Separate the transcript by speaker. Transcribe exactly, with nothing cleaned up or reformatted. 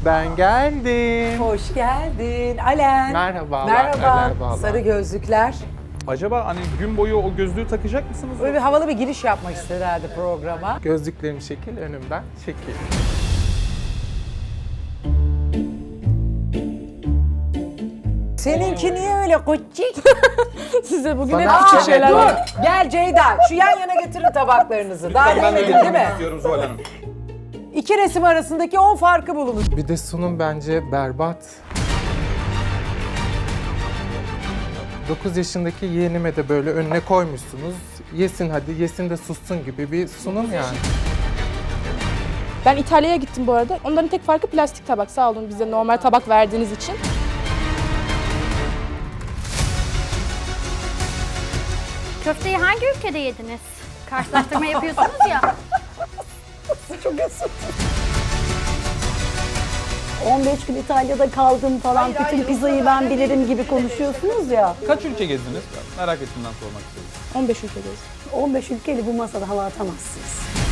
Speaker 1: Ben geldim.
Speaker 2: Hoş geldin. Alen.
Speaker 1: Merhabalar.
Speaker 2: Merhaba.
Speaker 1: Merhabalar.
Speaker 2: Sarı gözlükler.
Speaker 3: Acaba hani gün boyu o gözlüğü takacak mısınız?
Speaker 2: Böyle bir havalı bir giriş yapmak istedi herhalde programa.
Speaker 1: Gözlüklerim şekil, önümden şekil.
Speaker 2: Seninki niye öyle koçik?
Speaker 4: Size bugün
Speaker 1: Sana-
Speaker 4: hep
Speaker 1: Aa,
Speaker 4: küçük
Speaker 1: evet,
Speaker 4: şeyler
Speaker 2: Dur.
Speaker 4: var.
Speaker 2: Gel Ceyda. Şu yan yana getirin tabaklarınızı. Daha
Speaker 3: Ben de
Speaker 2: demedin değil mi?
Speaker 3: getirmek istiyorum Zuhal Hanım.
Speaker 2: İki resim arasındaki on farkı bulunur.
Speaker 1: Bir de sunum bence berbat. dokuz yaşındaki yeğenime de böyle önüne koymuşsunuz. Yesin hadi, yesin de sussun gibi bir sunum yani.
Speaker 4: Ben İtalya'ya gittim bu arada. Onların tek farkı plastik tabak. Sağ olun bize normal tabak verdiğiniz için.
Speaker 5: Köfteyi hangi ülkede yediniz? Karşılaştırma yapıyorsunuz ya.
Speaker 2: Çok üzüldüm.
Speaker 6: on beş gün İtalya'da kaldım falan,
Speaker 2: Hayır,
Speaker 6: bütün
Speaker 2: hayır,
Speaker 6: pizzayı
Speaker 2: o kadar
Speaker 6: ben
Speaker 2: da
Speaker 6: bilirim
Speaker 2: değil.
Speaker 6: gibi konuşuyorsunuz ya.
Speaker 3: Kaç ülke gezdiniz? Merak ettiğimden sormak istedim.
Speaker 4: on beş ülkedeyiz.
Speaker 6: on beş ülkeyle bu masada hava atamazsınız.